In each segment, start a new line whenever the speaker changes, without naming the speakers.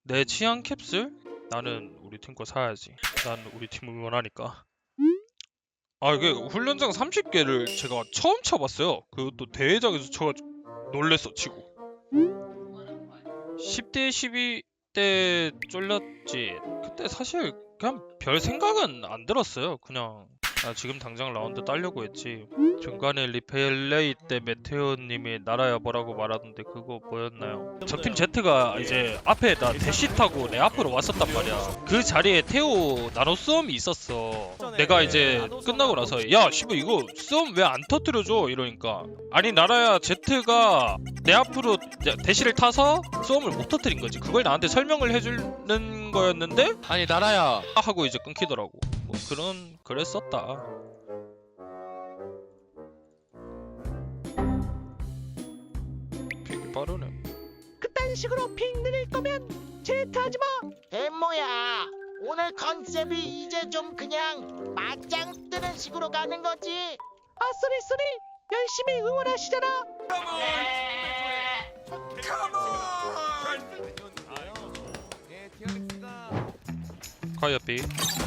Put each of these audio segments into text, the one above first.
내 취향 캡슐? 나는 우리 팀 거 사야지. 난 우리 팀을 응원하니까. 아 이게 훈련장 30개를 제가 처음 쳐봤어요. 그것도 대회장에서 쳐가지고 놀랬어 치고. 10대 12대 쫄렸지. 그때 사실 그냥 별 생각은 안 들었어요. 그냥 지금 당장 라운드 따려고 했지. 중간에 리플레이 때 메테오님이 나라야 뭐라고 말하던데 그거 뭐였나요? 적팀 Z가 이제 앞에다 대시 타고 내 앞으로 왔었단 말이야. 그 자리에 테오 나노 썸이 있었어. 내가 이제 끝나고 나서 야 씨발 이거 썸 왜 안 터뜨려줘 이러니까 아니 나라야 Z가 내 앞으로 대시를 타서 썸을 못 터뜨린 거지. 그걸 나한테 설명을 해주는 거였는데
아니 나라야
하고 이제 끊기더라고. 뭐 그랬었다. 되게 빠르네.
그딴 식으로 핑 늘릴 거면 제트하지 마.
엠모야, 오늘 컨셉이 이제 좀 그냥 맞짱 뜨는 식으로 가는 거지.
아 쏘리 열심히 응원하시잖아.
가야비.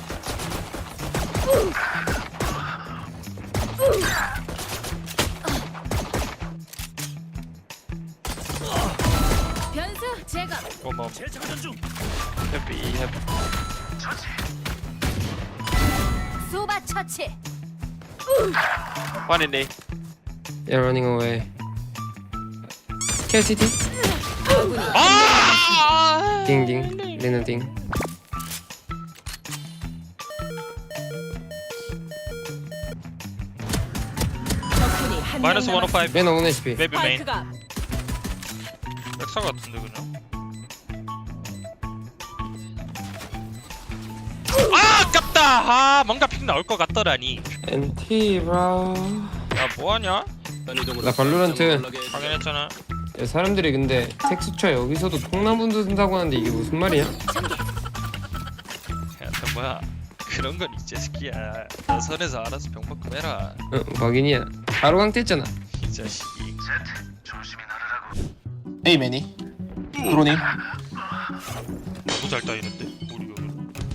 변수 제거.
고마워.
해피
소바 처치.
One in A.
Yeah, running away. Kill city.
아!
Ding ding. Lena ding.
적군이 한
마이너스
명
105.
Lena 1 HP.
maybe main.
스파이크가
백사 같은데 그냥. 아 아깝다. 아 뭔가 픽 나올 것 같더라니.
NT bro.
야 뭐하냐?
나 발로란트.
확인했잖아.
야, 사람들이 근데 텍스처 여기서도 통나무도 쓴다고 하는데 이게 무슨 말이야?
야, 너 뭐야? 그런 건 이제 새끼야. 너 선에서 알아서 병만큼 해라.
응, 확인이야. 바로 강퇴했잖아.
이 자식이.
A 매니. 드로닝.
너무 잘 따이는데 우리 여기.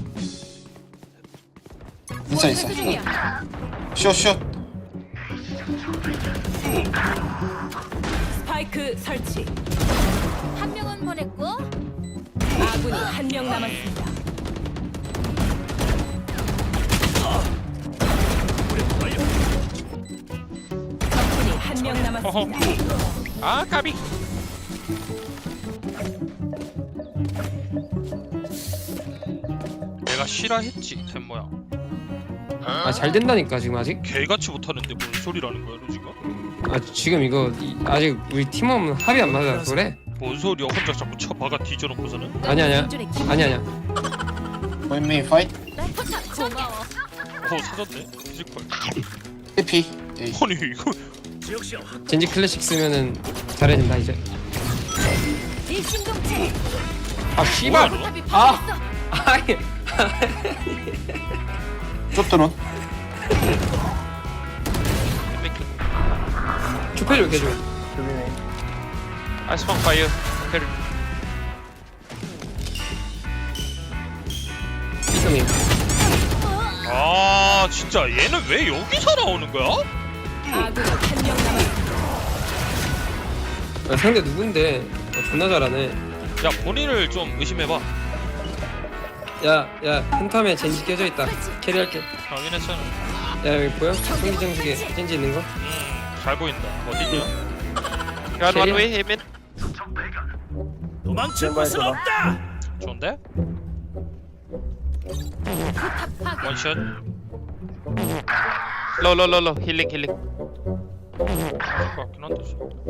인사 있어.
수중이야
슛.
스파이크 설치. 한 명은 보냈고 아군이 한 명 남았습니다. 적군이 한 명 남았습니다.
아 까비. 내가 싫어했지 템모야.
아, 잘 된다니까 지금 아직.
개같이 못하는데 뭔 소리라는 거야 너 지금?
아, 지금 이거 아직 우리 팀원 합이 안 맞아서 그래.
뭔 소리야 혼자 자꾸 쳐박아 뒤져놓고서는?
아니야.
One main fight.
고마워.
사졌네 피지컬.
해피. A.
아니 이거
젠지 클래식 쓰면은 잘해진다 이제.
일심동체.
아 씨발.
뭐야, 너?
탑이
아.
파괴했어.
아이.
쭉 드론.
주패 좀 해줘.
I spawn fire.
이성이.
아 진짜 얘는 왜 여기서 나오는 거야?
아군이 한 명 남았습니다.
아, 상대 누군데? 존나 잘하네.
야 본인을 좀 의심해봐.
야, 펜텀에 젠지 껴져 있다. 캐리할게.
확인했잖아.
야, 여기 보여? 총기장식에 젠지 있는 거?
잘 보인다. 어딨냐?
Got one way. Amen.
도망칠 곳은 없다.
좋은데? 원샷.
Low. Healing.
같긴 한데.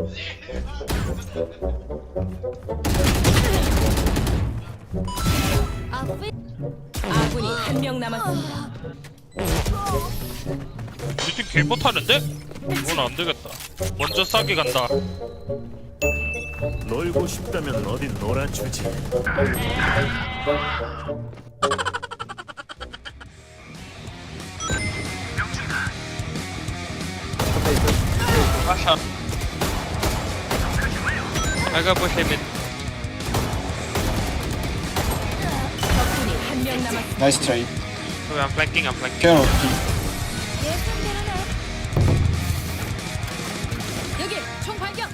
아군이 한 명 남았습니다.
우리 팀 개 못하는데? 이건 안 되겠다. 먼저 싸게 간다.
놀고 싶다면 어딘 놀아주지.
Rush up. I got push him in.
한명 남았습니다.
나이스 트라이.
So I'm flanking, I'm flanking.
케어 피.
예상대로네. 여기 총 발견.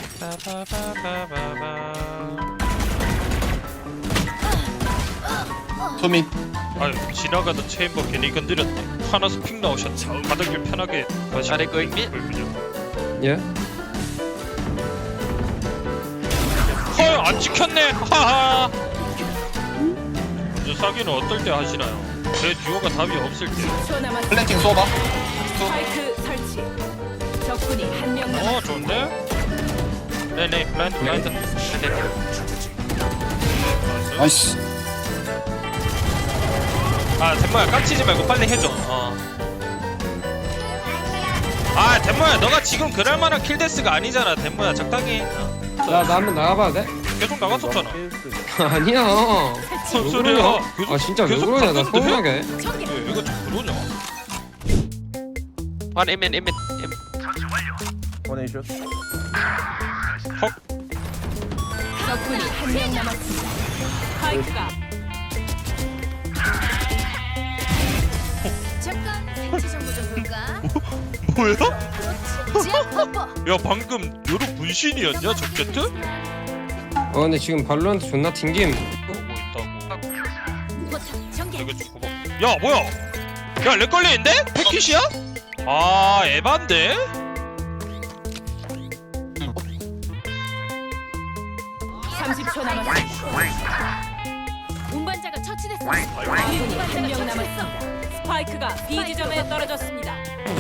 소민.
아유 지나가던 체인버 괜히 건드렸네. 하나서 픽 나오셨네. 바닥을 편하게 다시.
Are they going mid?
예?
헐, 안 지켰네. 하하. 먼저 싸기는 어떨 때 하시나요? 제 듀오가 답이 없을 때.
10초 남았습니다.
플랜팅 쏘봐.
스파이크 설치. 적군이 한명 남았습니다.
좋은데? 네네, 블라인드.
나이스.
아, 덴모야 깜치지 말고 빨리 해줘. 아, 덴모야 너가 지금 그럴 만한 킬데스가 아니잖아. 덴모야 적당히.
나 한번 나가봐도 돼?
계속 나갔었잖아.
아니야.
무슨
왜
소리야?
그러냐?
계속-
아 진짜 왜
계속
그러냐? 나
갔는데?
서운하게.
왜 이거 좀 그러냐?
One aim in, aim in.
적군이 한명 남았습니다. 스파이크가 잠깐 생체 정보 좀 볼까?
뭐야?
그렇지. 지압 뽀뽀.
야 방금 요로 분신이었냐 적제트?
근데 지금 발로한테 존나 튕김.
뭐 있다고.
포탑 전개.
이거 좀 봐봐. 야 뭐야? 야 렉 걸리는데? 패킷이야? 아 에반데?
30초 남았습니다. 운반자가 처치됐어. 아군이 한명 남았습니다. 스파이크가 B 지점에 떨어졌습니다.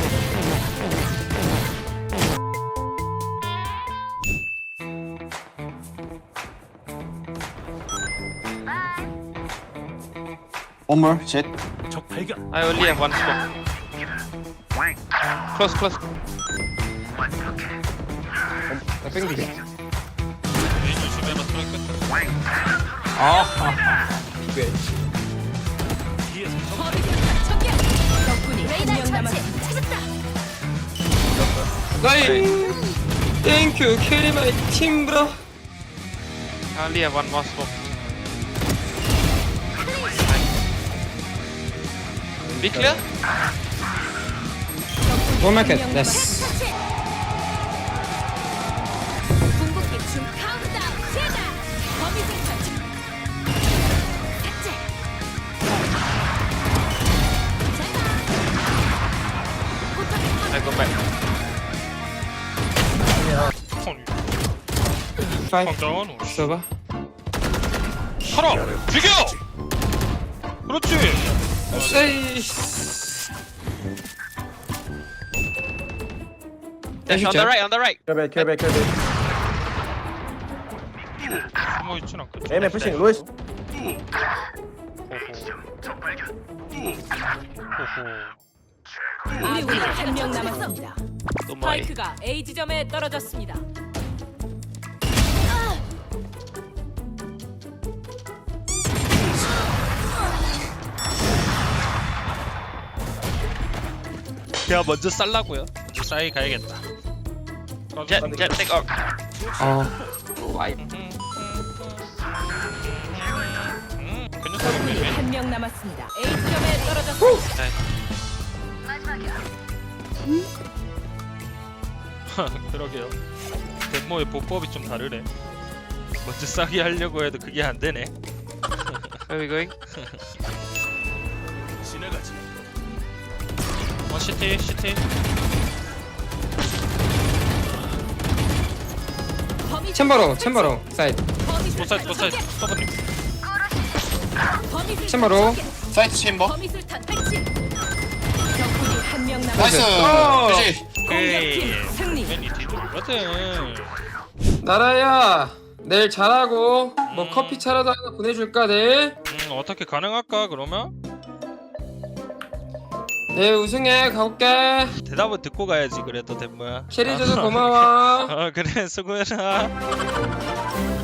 One more. Jet.
I only have one smoke. Close, close.
나 뺑기게.
메인 조심해라 트랙.
범위술탄 전개. 적군이 한명 남았습니다. 찾았다.
나이. 땡큐 캐리 마이 팀 브로.
I only have one more smoke. Be clear?
원 마켓.
한명
됐어.
남았습니다. 궁극기 중 카운트다운 시작. 범위술탄 삭제.
I go back.
파이브.
황당한 옷.
써봐.
살아! 죽여! 그렇지!
에이.
Dash on the right, on the right.
숨어있진 않겠지.
에이맨 푸싱 로이스
아군이 한명 남았습니다.
Two more.
스파이크가 A 지점에 떨어졌습니다.
그냥 먼저 쌀라고요. 먼저 싸이 가야겠다.
Jet, jet, take off.
와이.
그냥
적군이
싸이
한명 남았습니다. A 지점에 떨어졌습니다.
그러게요. 덴모의 보법이 좀 다르네. 먼저 싸게 하려고 해도 그게 안 되네.
Where are we going?
시티.
챔버로 사이드.
보사이드 스토브님.
챔버로.
사이트 챔버.
범위술탄 배치. 적군이 한명
나이스.
남았습니다.
그렇지.
공격팀 승리.
괜히 뒤돌거든.
나라야 내일 잘하고 뭐 커피 차라도 하나 보내줄까 내일?
어떻게 가능할까 그러면?
내일 우승해 가볼게.
대답은 듣고 가야지 그래도 덴모야.
캐리줘서 고마워.
그래 수고해라.